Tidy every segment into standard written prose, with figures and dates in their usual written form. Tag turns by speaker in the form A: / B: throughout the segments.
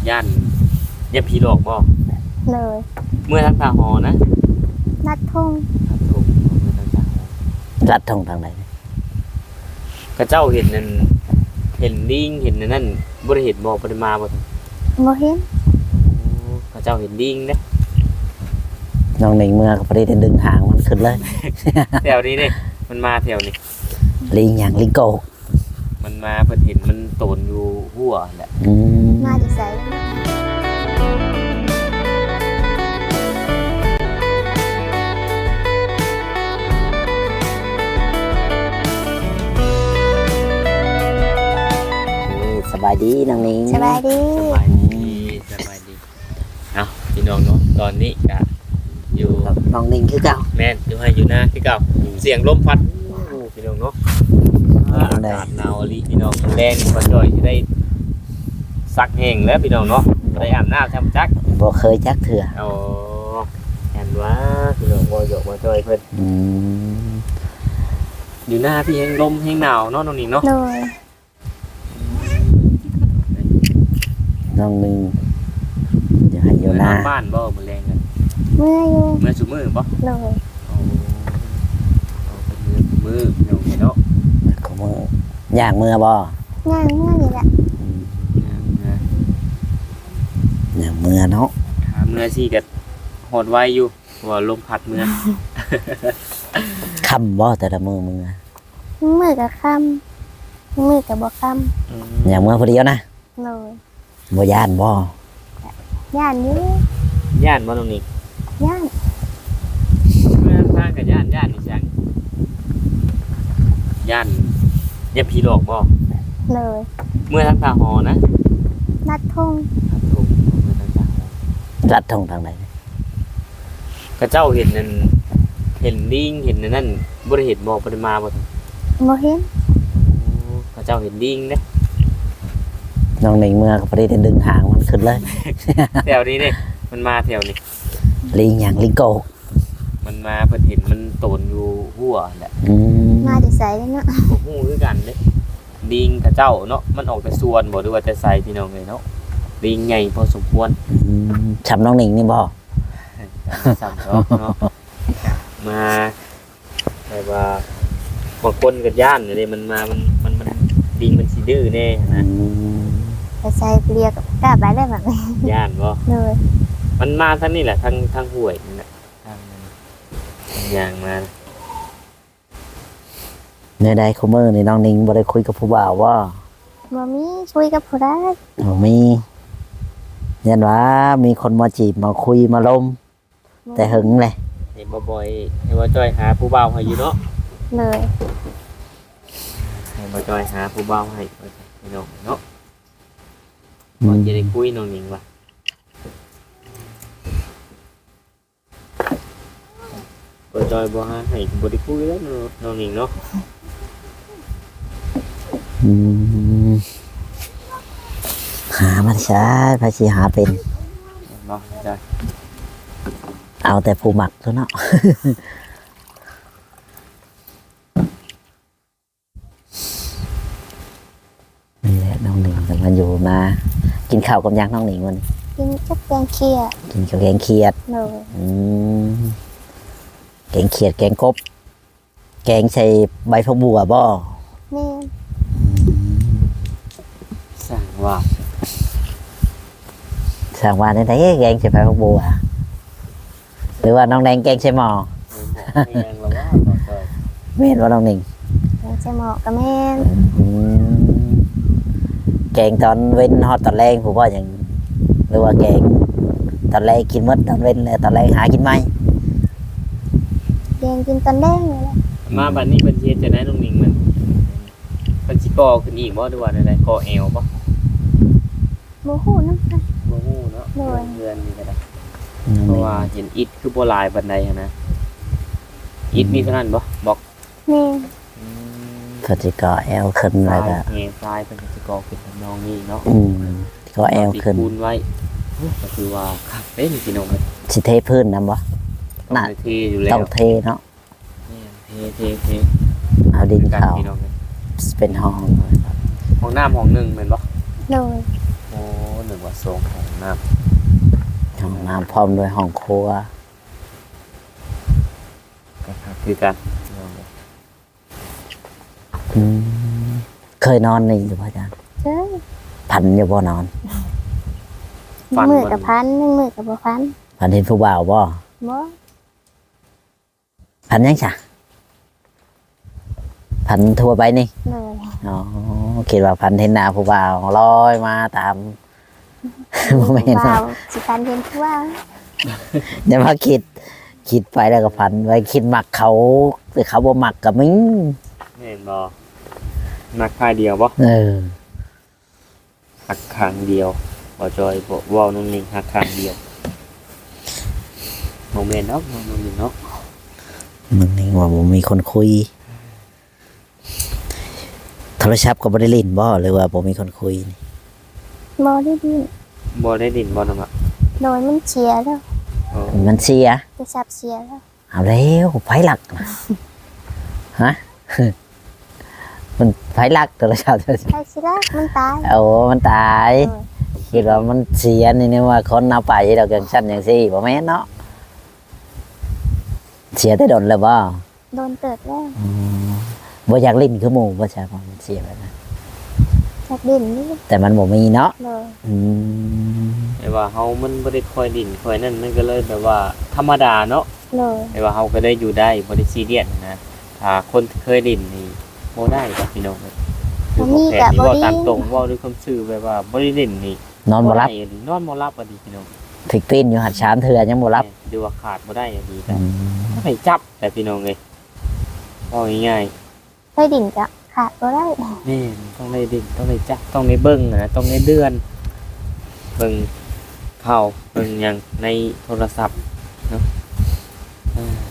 A: ย่านอย่าผีหลอกบ่
B: เลย
A: เมื่อทางตาหอนะ
B: นัดทง
A: ครับถูกเมื่อทางตาหอ
C: รัดทงทางไหน
A: กระเจ้าเห็นนั่นเห็นลิงเห็นนั่นบ่ได้เห็นบ่ได้มาบ่
B: บ่เห็น
A: กระเจ้าเห็นลิงเด้
C: น้องหนิงเมื่อก็พอดีดึงหางมันขึ้นเลย
A: แถวนี้เด้มันมาแถวนี้
C: ลิงอย่างลิงโก
A: มันมาเพิ่นเห็นมันโตนอยู่หัวแหละ
B: มาดิไส
C: สบายดีน้องหนิง
B: สบายดี
A: สบายดีเอาพี่น้องเนาะตอนนี้ก็อยู่
C: กับน้องหนิงคือเก่า
A: แม่นอยู่ให้อยู่หน้าคือเก่าเสียงลมพัดพี่น้องเนาะอากาศหนาวลีพี่น้องแรงบ่จ่อยสิได้ซักแห้งแล้วพี่น้องเนาะได้อาบน้ำทำจัก
C: บ่เคยจักเถื่อ
A: โอ้แอนว่าพี่น้องบ่หยอกบ่จ่อยเพิ่นอยู่หน้าพี่แห้งลมแห้งหนาวเนาะน้องหนิงเนาะ
B: เลย
C: น้องหนิงอย่าให้อยู่หน้า
A: บ้านบ่มื้อแรงกัน
B: เมื่ออยู่
A: เมื่อซุมื้อบ่
B: เลย
A: มือเนาะเนาะ
C: ของมือย่างมือบ่
B: ย่างเมื่อนี่แหละ
C: อย่างมือเนาะ
A: เมื่อสิก็ฮอดไวอยู่ว่าลมพัดเมื่อ
C: ค่ำบ่แต่ละมือ
B: กับค่ำมือกับบ่ค่
C: ำอย่างมือพอดีนะ
B: เลย
C: บ่ย่านบ่
B: ย่านอยู่
A: ย่านบ่ตรงนี้
B: ย่าน
A: เมื่อทางกับย่านนี่จังย่านอย่าผีหลอกบ่
B: เลย
A: เมื่อทางตาหอนะ
B: นัดทง
A: ครับถูกเมื่อทางตาหอ
C: รัดทงทางไหน
A: กระเจ้าเห็นนั่นเห็นลิงเห็นนั่นบ่ได้เห็นบ่ได้มาบ่
B: บ่เห็น
A: กระเจ้าเห็นลิงเด้
C: น้องหนิงเมื่อก็พอดีดึงหางมันขึ้นเลย
A: แถวนี้เด้มันมาแถวนี้
C: ลิงอย่างลิงโก
A: มันมาเพิ่นเห็นมันโตนอยู่หัวแหละ
B: มาดิไสเนาะ
A: บ่ฮู้คือกันเด้ลิงกระเจ้าเนาะมันออกแต่ส่วนบ่หรือว่าแต่ไสพี่น้องเอ้ยเนาะลิงใหญ่พอสมควร
C: ช้ำน้องหนิงนี่บ่
A: ซ้ำเนาะมาแบบว่าบางคนก็ย่านนี่มันมามันลิงมันสิดื้อแน่นะ
B: ไปใส่เรียกกล้าไปได้แบบนี้
A: ย่านบ่
B: เลย
A: มันมาทางนี้แหละทางห้วยนี่แหละทางอย่างมา
C: ในใดคุมือนี่น้องหนิงบ่ได้คุยกับผู้บ่าวว่า
B: บ่มีคุยกับผู้ใด
C: บ่มียันว่ามีคนมาจีบมาคุยมาล้มแต่หึงเลย
A: เห็นบ่อยเห็นว่าจ้อยหาผู้บ่าวให้อยู่เนาะ
B: เลย
A: เห็นว่าจ้อยหาผู้บ่าวให้พี่น้องเนาะบ่จะได้คุยน้องหนิงว่ะบ่จ้อยบ่หาให้บ่ได้คุยแล้วน้องหนิงเนาะ
C: หามาใช้พาสิหาเป็น
A: เนาะจ้ะ
C: เอาแต่ผู้หมักเท่านั้นนี่แหละน้องหนิงจะมาอยู่มากินข้าวกับยักษ์น้องหนิงวันนี้
B: กินกับแกงเขียด
C: กินกับแกงเขียดแกงเขียดแกงกบแกงใส่ใบผักบัวบ่
B: นี่
A: สั่งว่า
C: ได้แกงใส่ใบผักบัวหรือว่าน้องแดงแกงใส่หม้อแม่นว่าน้องหนิง
B: แกงใส่หม้อกับแม่น
C: แกงตอนเว้นฮอดตอนแรงผมว่าอย่างหรือว่าแกงตอนแรกกินมดตอนเว้นเลยตอนแรกหากินไหม
B: แกงกินตอนแรกเลย
A: มาบัดนี้เป็นเฮ็ดจะได้น้องหนิงมันสิก่อขึ้นอีกบ่หรือว่าอะไรก่อแอวบ่
B: บ่ฮู้นำกัน
A: บ่ฮู้เนาะเดือนนี้ก็ได้เพราะว่าเห็นอิฐคือบ่หลายปานใดนะอิฐมีเท่านั้นบ่บอก
B: นี่
C: ก็สิก่อแอวขึ้นแล้วก็
A: แง่ทรายเป็นสิก่อขึ้นน้องนี่เนาะ
C: ก่อแอวขึ้น
A: คูณไว้ก็คือว่าครับเด้นี่พี่น้องเอ้ย
C: สิเทพื้นนำบ่
A: น่ะเทอยู่แล้ว
C: ต้องเทเนาะ
A: เท
C: เอาดินเข้าเป็นห้อง
A: น้ำห้องนึงแม่นบ่
B: เลย
A: โอ้นึกว่าสองห้องน้
C: ห้องน้ำพร้อมด้วยห้องครัว
A: ำก็คือกันพี่น้องเอ้ย
C: อืมเคยนอนนี่อยู่ป่ะอาจารย์
B: เจ้ย
C: พันอยู่บ่นอน
B: มือกับพันมือกับบ่พัน
C: พันเห็นผู้บ่าวบ่
B: บ่
C: พันยังจ้ะพันทั่วไปนี่
B: เลย
C: อ๋อคิดว่าพันเห็นหน้าผู้บ่าวลอยมาตาม บ่แม่น
B: บ่า
C: เนาะ
B: วสิพันเห็นผู้ว่า
C: เดี๋ยวมาคิดไปแล้วก็พันไว้คิดหมักเขาหรือเขาบ่หมักกับมึง
A: เห็นบ่นักค่ายเดียวบ่
C: เออ
A: หักขางเดียวบ่จอยบ่เว้าน้องนิ่งหักขางเดียวโมเมนต์เนาะน้องนิ่งเนาะ
C: มึงนี่ว่าบ่มีคนคุยโทรศัพท์ก็บ่ได้เล่นบ่หรือว่าบ่มีคนคุยนี่
B: บ่ได้ดิน
A: บ่ได้ดินบ่นำอ่ะ
B: โดยมันเชียร์แล้ว
A: โอ้
C: มันเสีย
B: จะซับเชียร์แล้ว
C: เอาแล้วไผหลักนะฮะ มันไผหลักโทรศัพท์
B: ใครสิรักมันตาย
C: โอ้มันตาย
B: เออ
C: คิดว่ามันเสียนี่นึกว่าคนเอาไปดอกจังซั่นจังซี่บ่แม่นเนาะเสียได้ดนแล้วบ่
B: โดนเติดแล้ว
C: บ่อยากเล่นคือหมู่บ่ใช่บ่มันเสียแบบนั้น
B: จากดินนี่
C: แต่มันบ่มีเนาะ
B: เลย
C: อืม
A: แต่ว่าเฮามันบ่ได้ค่อยดินค่อยนั่นมันก็เลยแบบว่าธรรมดาเนาะ
B: เลย
A: แต่ว่าเฮาก็ได้อยู่ได้บ่ได้ซีเรียสนะถ้าคนเคยดินนี่บ่ได้ครับพี่น้องเอ้ยคือบ่แพ้นี่เว้าตามตรงเว้าด้วยความซื่อแบบว่าบ่ได้ดินนี่
C: นอนบ่หลับ
A: ได้อันนี้นอนบ่หลับอะดีพี่น้อง
C: ถึกตีนอยู่หัดชามเถื่อยังบ่หลับ
A: ดูว่าขาดบ่ได้อะดีแต่
C: อืม
A: ให้จับแต่พี่น้องเอ้ยเอาง่าย
B: ไปดินจะขาดบ่ได้
A: ๆนี่ต้องได้ดินต้องได้จับต้องได้เบิ่งนะต้องได้เดือนเบิ่งข่าวเบิ่งหยังในโทรศัพท์เนาะอ่า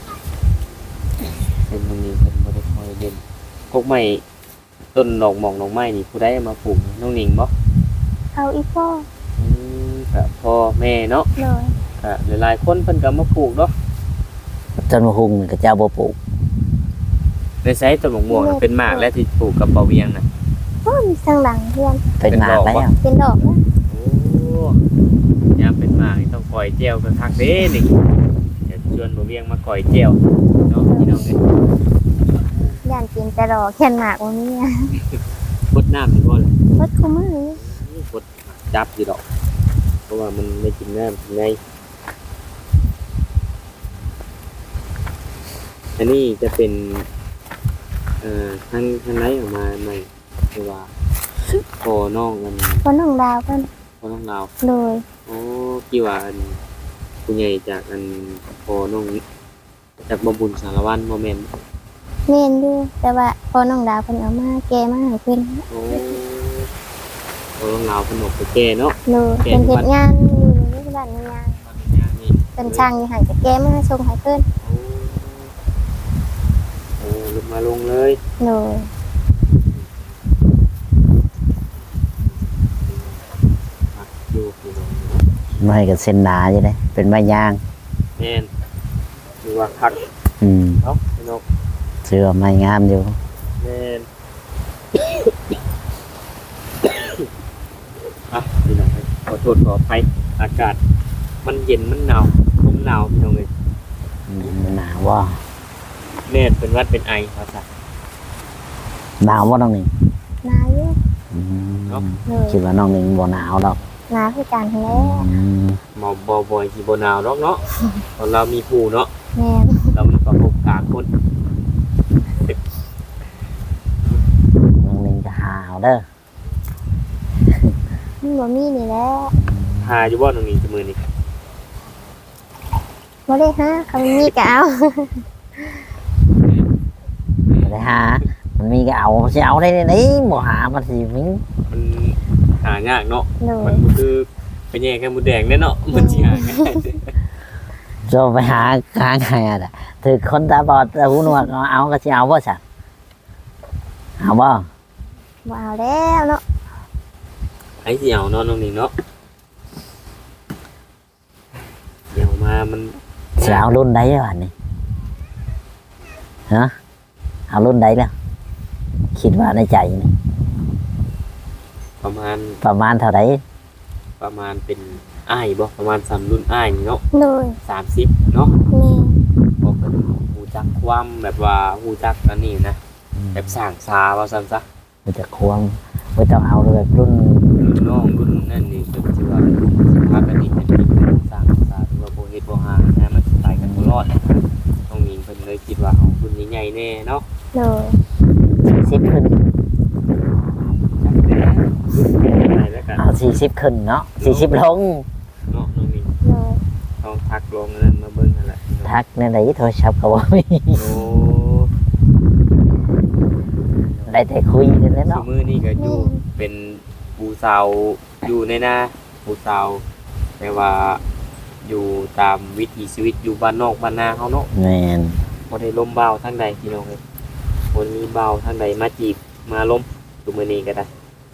A: เป็นตรงนี้เพิ่นบ่ได้ค่อยเด่นกกไม้ต้นดอกหม่องดอกไม้นี่ผู้ใดเอามาปลูกน้องหนิงบ่
B: เอาอีกพ่อ
A: ก็พ่อแม่เนาะ
B: เลย
A: ก็หลายๆคนเพิ่นก็มาปลูกเนาะ
C: จนมาหุงนี่ก็เจ้าบ่ปลูก
A: ในไซต์ต้นมะม่วงน่ะเป็นหมากและที่ปลูกกับเบาเวียงน่ะ
B: โอ้ยทางหลังเพื่อน
C: เป็นหมากแล้ว
B: เป็นดอกนะ
A: โอ้ยามเป็นหมากนี่ต้องก่อยแจ่วกันคักเด้นี่เดี๋ยวชวนเบาเวียงมาก่อยแจ่วเนาะพี่น้องเอ้ย
B: ย่านกินแต่ดอกแค่นหมากวันนี้นะ
A: พดน้ำนี่บ่ล่ะ
B: รถคุ้มมือ
A: พดจับอยู่ดอก เพราะว่ามันไม่กินน้ำกินไงอันนี้จะเป็นทางไหนออกมาใหม่คือว่าพอน้องกัน
B: คนน้องดาวเพิ่น
A: พอน้องเราว
B: เลย
A: โอ้กี่ว่าอันผู้ใหญ่จากอันพอน้องจากบำบุญสารวัตรโมเมนต์
B: เมนอยู่แต่ว่าพอน้องดาวเพิ่นเอามาแกมาให้เพิ่น
A: โอ้พอน้องเราวขนมไปแก่เนาะ
B: เลยเป็นเฮ็ดงานอยู่ในบ้านมีงาน
A: ตอนนี้นี่
B: เป็นช่างอยู่หั่นก็แกมาส่งให้เพิ่น
A: โอ้ลงมาลงเลย
B: เลย
A: อยู่พี่น้อง
C: ไม่ก็เส้นหนาอยู่เด้เป็นไม้ยาง
A: แม่นคือว่าคัก
C: อืม
A: เนาะพี่น้อง
C: เชื่อไม้งามอยู่
A: แม่น อ่ะพี่น้องเอ้ยขอโทษขออภัยอากาศ มันเย็นมันหนาวลมหนาวพี่น้องเลย
C: มันหนาวว่า
A: แม่เป็นหวัดเป็นไอภาษา
C: หนาวว่าน้องหนึ่ง
B: หนาอยู่
C: อืม
B: เลย
C: คิดว่าน้องหนึ่งบ่หนาวหรอก
B: หนาคือกันแล้
C: อืม
A: หมอบบ่อยที่บ่หนาวเนาะเนาะตอนเรามีผู้เนาะ
B: แม่น
A: เรามีประสบการณ์คน
C: น้องหนึ่งจะหาวเด้อ
B: มันบ่มีนี่แหละ
A: หาอยู่บ่ตรงนี้จะมือนี่
B: บ่ได้หาเขามีก็เอา
C: บ่ได้หามันมีก็เอาสิเอาได้ไหนบ่หามันสิมึง
A: มันหายากเนาะ
B: เล
A: มั
B: ย
A: นบ่คือไปแย่งแค่หมูแดงแน่เนาะมันสิหาง่าย
C: จะไปหาไงอ่ะถือคนตาบอดตาหูหนวกเอาก็สิเอาบ่ซะเอาบ่
B: บ่เอาแล้วเนาะ
A: ไอ้สิเอาเนาะน้องนี่เนาะเดี๋ยวมามัน
C: สิเอารุ่นใดวะนี่ฮะเอารุ่นใดล่ะคิดว่าในใจนี่
A: ประมาณ
C: ประมาณเท่าไหร่
A: ประมาณเป็นอ้ายบ่ประมาณ3รุ่นอ้ายนี่เนาะ
B: โดย
A: 30เนาะ
B: แม่
A: บ่เพิ่นฮู้จักความแบบว่าฮู้จักอันนี้นะแบบสร้างสาว่าซั่นซะ
C: มันจะควงไม่ต้องเอาเลยแบบรุ่น
A: รุ่นน้องรุ่นนั่นนี่เพิ่นสิว่าสิพากันนี่เป็นสร้างสาหรือว่าบ่เฮ็ดบ่หานะมันสิไปกันบ่รอดต้องมีเพิ่นเลยคิดว่าเอารุ่นใหญ่ๆแน่เนาะ
B: โดย
C: 40ขึ้น
A: จักแน่รุ่นใหญ่แล้วกัน
C: เอา40ขึ้นเนาะ40ลง
A: เนาะน้องมิน
B: โดย
A: ต้องทักลงนั่นมาเบิ่งนั่นแหละ
C: ทักในไหนโทรศัพท์ก็บ่มี
A: โอ้
C: ได้แต่คุยกันแล้ว
A: ซุ
C: เนาะ
A: มื้อนี้ก็อยู่เป็นผู้สาวอยู่ในนาผู้สาวแต่ว่าอยู่ตามวิถีชีวิตอยู่บ้านนอกบ้านนาเฮาเนาะ
C: แม่น
A: บ่ได้ล้มบ่าวทางใดพี่น้องเอ้ยบ่มีบ่าวทางใดมาจีบมาล้มซุมื้อนี้ก็ได้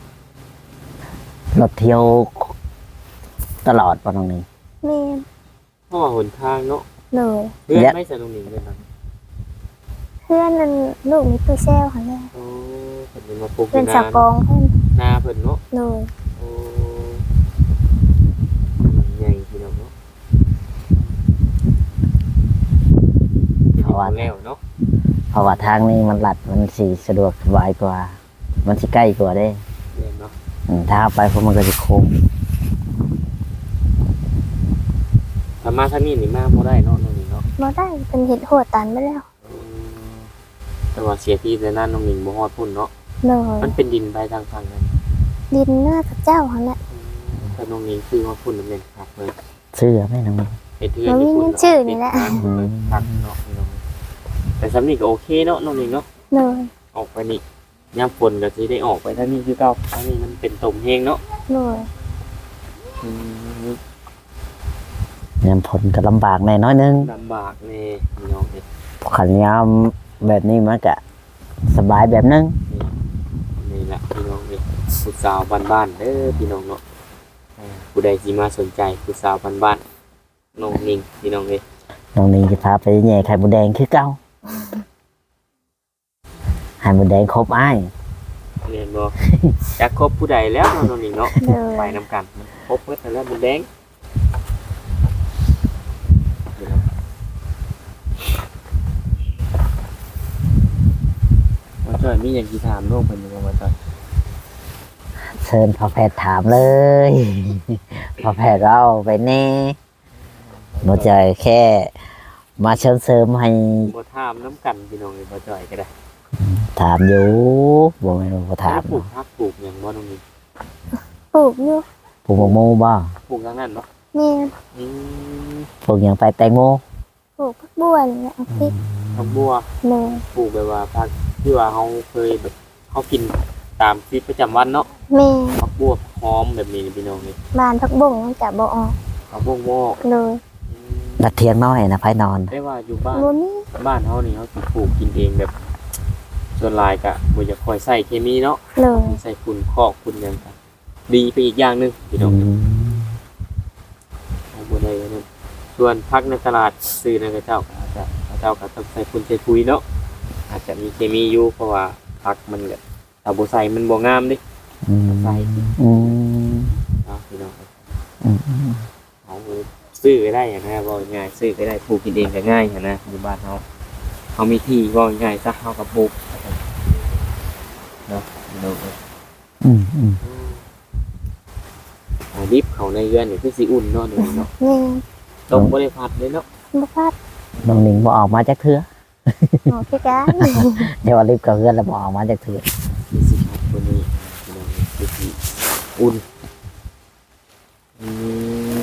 C: รถเที่ยวตลอดป่ะน้องนี่
B: แม่
A: เพราะว่าหนทางเนาะ
B: โดย
A: เพื่อน
C: และ
A: ไม่สนุกหนิงเลยนะ
B: เพื่อนนั่นลูกมีตู้แซวค่ะแม่
A: โอ้เพิ่นเป็นมาปลูก
B: เพื่อน
A: นา
B: สาวกองเพื่อน
A: นาเพิ่นเนาะ
B: โดย
A: โอ้ใหญ่พี่น้องเนาะเพราะว่าแล้วเนาะ
C: เพราะว่าทางนี้มันลัดมันสิสะดวกสบายกว่า มันสิใกล้กว่าเด้
A: เรียนเนาะ
C: ถ้าเอาไปเพราะมันก็จะโค้ง
A: ถ้ามาทางนี้นี่มาบ่ได้เนาะน้องหนิงเนาะ
B: บ่ได้เป็นเห็ดหัวตันไปแล้ว
A: แต่ว่าเสียที่แต่นั้นน้องหนิงบ่ฮอดพุ่นเนาะ
B: โดย
A: มันเป็นดินไปทางฝั่งนั้น
B: ดินหน้าพระเจ้าค่ะแม่
A: แต่น้องหนิงคือฮอดพุ่นนั่นเองครับเพิ่น
C: เสื้อไหมน้องนี่
A: เป็นเทือนญี่ปุ่นพักเนาะแต่สำนีก็โอเคเนาะน้องหนิงเนาะ
B: โดย
A: ออกไปนี่ยามฝนก็สิได้ออกไปทางนี้คือเก่าทางนี้มันเป็นตมแห้งเนาะ
B: โดย
C: ยามผลก็ลำบากแน่น้อยนึง
A: ลำบากแน่พี่น้องเอ้ย
C: ขันยามแบบนี้มันก็สบายแบบนึง
A: นี่แหละพี่น้องเอ้ยผู้สาวบ้านๆเด้อพี่น้องเนาะผู้ใดสิมาสนใจผู้สาวบ้านๆน้องหนิงพี่น้องเอ้ย
C: น้องนี่จะพาไปแย่ไข่มดแดงคือเก่าไข่มดแดงครบอ้าย
A: เรียนบ่จักครบผู้ใดแล้วเนาะน้องหนิงเนาะ
B: โดย
A: ไปนำกันครบเบิดแล้วมันแดงมาจอยมีอย่างที่ถามโลกเป็นยังไงมาจอย
C: เชิญพอแพทย์ถามเลย พอแพทย์เราไปแน่หมดใจแค่ มาเชิญเสริมให้
A: บ่ถามน้ำกันพี่น้องเลยมาจอยก็ได้
C: ถามอยู่บอกไม่รู้ก็ถาม
A: ปลูกพักปลูกอย่างบ่น้องนี่
B: ปลูกอยู่
C: ปลูกมะม่วงบ่
A: ปลูกทางนั้นเนาะ
B: แม่
A: อืม
C: ปลูกอย่างไปแตงโม
B: ปลูกพักบัวนี่แหละเอาพริก
A: ผักบัว
B: โดย
A: ปลูกแบบว่าพักที่ว่าเขาเคยแบบเขากินตามชีวิตประจำวันเนาะ
B: แม่
A: ผักบัวหอมแบบนี้พี่น้องนี่
B: บ้านพักบุ้งมันจะบ่ออก
A: ผักบัวงอก
B: โดย
A: อืม
C: นัดเที่ยงน้อยนะไพ่นอน
A: ได้ว่าอยู่บ้าน
B: บ่มี
A: บ้านเขานี่เขาสิปลูกกินเองแบบส่วนหลายกะบ่จะคอยใส่เคมีเนาะ
B: โดย
A: ใส่ฝุ่นคอกฝุ่นหยังกันดีไปอีกอย่างหนึงพี่น้องเอาบ่ได้นั่นส่วนพักในตลาดซื้อนั่นก็เจ้าก็อาจจะเจ้าก็ต้องใส่ฝุ่นใส่ปุ๋ยเนาะอาจจะมีเคมีอยู่เพราะว่าพักมันก็ถ้าบ่ใส่มันบ่งามเด้ ใส่ เอาพี่น้องเอาซื้อก็ได้อย่างนะบ่ง่ายซื้อก็ได้ปลูกกินเองก็ง่ายอย่างนะอยู่บ้านเขามีที่บ่ง่ายซักเฮากับปลูกเนาะพี่น้องเอ้ย เอาดิบเขาในเรือนนี่คือสิอุ่นเนาะนี่เนาะ
B: แม่
A: ต้มบ่ได้ผัดเลยเนาะ
B: บ่พัด
C: น้องหนิงบอออกมาจากเถื่อ
B: ออกคือกัน
C: เดี๋ยวว่ารีบกับเพื่อนแล้วบอออกมาจากเถื่อ
A: มีสิผัดตัวนี้พี่น้องคือสิอุ่นอืม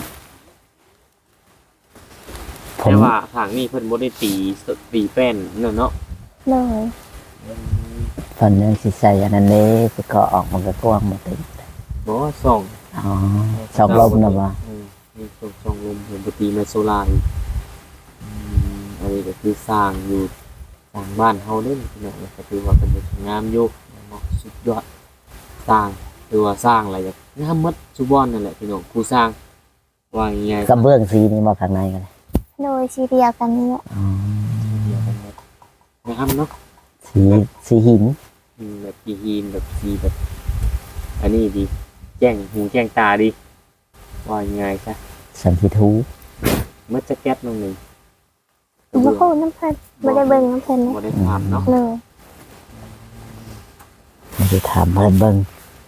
C: ผม
A: แต่ว่าทางนี้เพิ่นบ่ได้ตีแป้นเนาะเนาะ
B: โดย
C: ตอนนี้สิใส่อันนั้นเลยจะก็ออกมันก็กว้างมาติด
A: บ่ส่อง
C: อ๋อชอบลมนะบ่
A: มีส่องลมเห็นบ่ตีมาโซล่าอีกอันนี้ก็คือสร้างอยู่สร้างบ้านเฮาเด้พี่น้องก็ถือว่าเป็นงามอยู่เนาะสุดยอดสร้างหรือว่าสร้างอะไรแบบงามหมดทุกบ่อนนั่นแหละพี่น้องผู้สร้างว่าง่ายๆ
C: กระเบื้องสีนี่มาข้างในกันเลย
B: โดยสีเดียวกันนี่แหละ
C: อ๋อ
A: เดียวกันหมดงามเนาะ
C: สีหิน
A: แบบสีหินแบบสีแบบ อันนี้ดีแจ้งหูแจ้งตาดีว่ายังไงซะ
C: สันติทู
A: มันจะแก๊สน้องหนึ่ง
B: บ่ฮู้น้ำเพิ่นบ่ได้เบิ่งน้ำเพิ่น
A: บ่ได้ถามเนาะ
B: เลย
C: ไม่ได้ถามเพิ่นเบิ่ง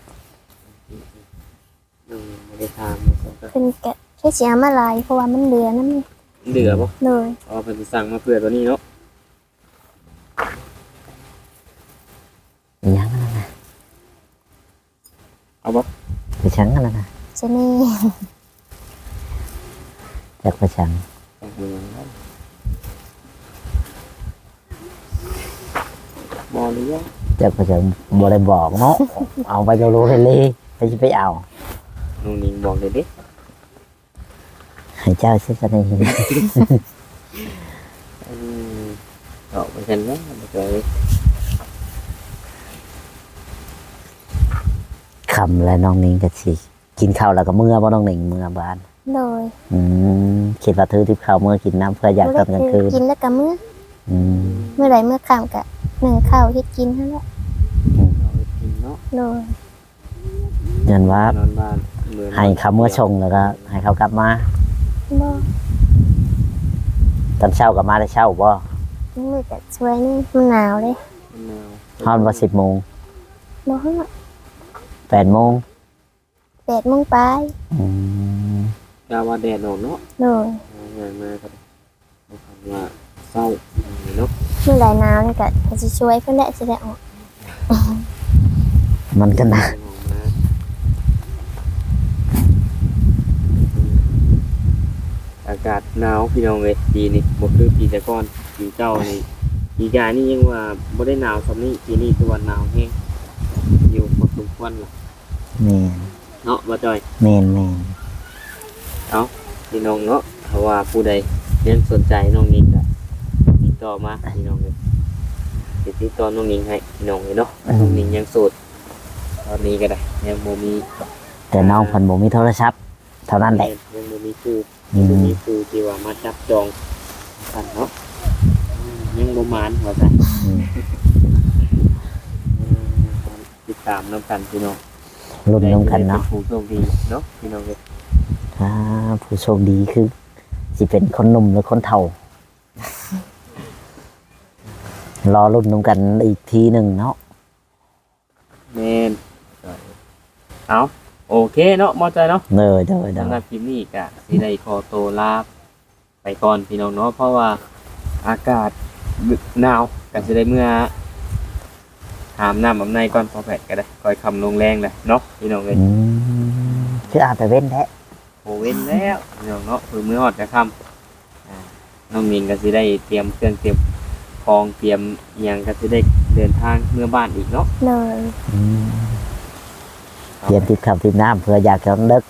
A: บ่ได้ถาม
B: เพิ่นก็แค่สิเอามาหลายเพราะว่ามันเหลือน้ำ
A: เดือบ่
B: เลย
A: อ๋อเพิ่นสิสั่งมาเพื่อตัวนี้เนาะ
C: อีหยังนั่นน่ะ
A: เอาบ่
C: ไปชังนั่นน่ะ
B: จะนี่
C: จักไปชัง
A: สั่งเมืองได้บ่หรือยัง
C: จักไปชังบ่ได้บอกเนาะ เอาไปโลเลยไปสิไปเอา
A: น้องหนิงบอกเลยเด้
C: ให้เจ้าสิซะนี่
A: เอาไปกันนะบ่เคย
C: คำแล้วน้องนิงก็สิกินข้าวแล้วก็เมื่อบ่น้องนิงเมื่อบ้าน
B: เลย
C: คิดว่าถือที่ข้าวเมื่อกินน้ำเพื่ออยากตอนกลางคืน
B: กินแล้วก็มื้อ
C: อืม
B: เมื่อใดเมื่อค่ำก็นึ่งข้าวเฮ็ดกินนั่นแหละ
A: เอาไปกินเนาะ
B: เลย
C: เงินว่าน
A: อนบ้านเหมือน
C: ให้เขาเมื่อชงแล้วก็ให้เขากลับมา
B: บ่
C: ตอนเช้ากลับมาได้เช้าบ่
B: มื้อก็สวยนี่มันหนาวเลย
A: มะนาว
C: ฮอนว่า10 โมง
B: บ่ฮู้
C: 8 โมง
B: 8:00 นปลาย
C: อืม
A: กาว่าแดดออกเนาะ
B: เลย
A: งานมาครับเอาคำว่าเศร้าเนาะ
B: เมื่อใดหนาวนี่ก็สิช่วยเพิ่นแหละสิได้ออก
C: มันก็หนะ
A: ออกมาอากาศหนาวพี่น้องเว้ยปีนี้บ่คือปีแต่ก่อนปีเจ้านี่ปีกายนี่ยังว่าบ่ได้หนาวส่ำนี้ปีนี้ตัวหนาวแฮงอยู่พอสมควรล่ะ
C: แม่น
A: เนาะบ่จอย
C: แม่น
A: พี่น้องเนาะถ้าว่าผู้ใดยังสนใจน้องนิงก็ติดต่อมาพี่น้องเลยติดต่อน้องนิงให้พี่น้องเลยเนาะน้องนิงยังโสดตอนนี้ก็ได้ยังบ่มี
C: แต่น้องเพิ่นบ่มีโทรศัพท์เท่านั้นแหละ
A: ยังบ่มีผู้
C: อื
A: บ่
C: ม
A: มีผู้ที่ว่ามาจับจองกันเนาะยังบ่มานว่าซั่น
C: อืม
A: ติดตามนํกันพี่น้อง
C: รุ่นน้องกันเนาะ
A: ได้ผู้โชคดีเนาะพี่น้องเลย
C: ถ้าผู้โชคดีคือสิเป็นคนหนุ่มหรือคนเฒ่า รอรุ่นน้องกันอีกทีหนึ่งเนาะ
A: แม่นเอาโอเคเนาะหมอใจเนาะ
C: เด้อ
A: สำหรับคลิปนี้ก็สิได้ขอตัวลาไปก่อนพี่น้องเนาะเพราะว่าอากาศหนาวก็สิได้เมื่อหามน้ำอำในก่อนพอแผดก็ได้คอยคำลงแรงเลยเนาะพี่น้องเลย
C: อืมคืออาจจะเว้นแท้
A: โอเว้นแล้วพี่น้องเนาะคือมื้อฮอดจะค่ำน้องมินก็สิได้เตรียมเครื่องเตรียมของเตรียมอิหยังก็สิได้เดินทางเมื่อบ้านอีกเนาะ
B: เลย
C: อืมเตรียมติดขับติดน้ำเพื่ออยากจะเลิก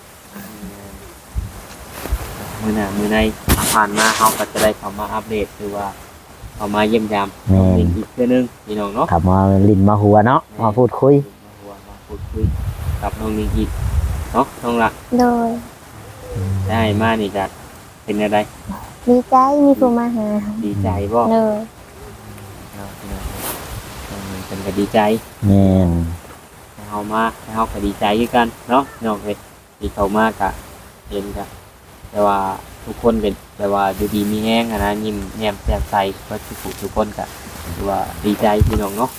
A: มื้อหน้ามื้อในผ่านมาเฮาก็จะได้เข้ามาอัปเดตคือว่าเข้ามาเยี่ยมยามน้องมินอีกเทื่อนึงพี่น้องเนาะ
C: ขับมาลินมาหัวเนาะมาพูดคุย
A: มาพูดคุยกับน้องนิงอีกเนาะน้องละ
B: เลย
A: ได้มานี่จะเป็นอะไร
B: ดีใจมีผู้มาหา
A: ดีใจบ่
B: เลย
A: เนาะน้องนิงเป็นก็ดีใจ
C: แม่น
A: ให้เฮามาให้เฮาก็ดีใจด้วยกันเนาะน้องเอ้ยที่เขามากะเห็นกะแต่ว่าทุกคนเป็นแต่ว่าดูดีมีแห้งอะนะยิ้มแย้มแจ่มใสก็ทุกคนกะถือว่าดีใจพี่น้องเนาะ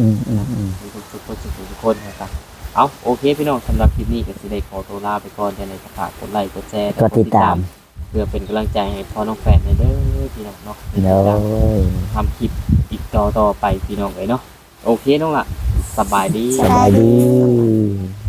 A: ทุกคนนะครับเอาโอเคพี่น้องสำหรับคลิปนี้ก็สิได้ขอตัวลาไปก่อนจะในกระฝากกดไลค์กดแชร์
C: ก็ติดตาม
A: เพื่อเป็นกำลังใจให้พ่อน้องแฟนในเด้อพี่น้องเนาะ
C: เด้อ
A: ทำคลิปอีกต่อไปพี่น้องเลยเนาะโอเคน้องละสบายดี
C: สบายดี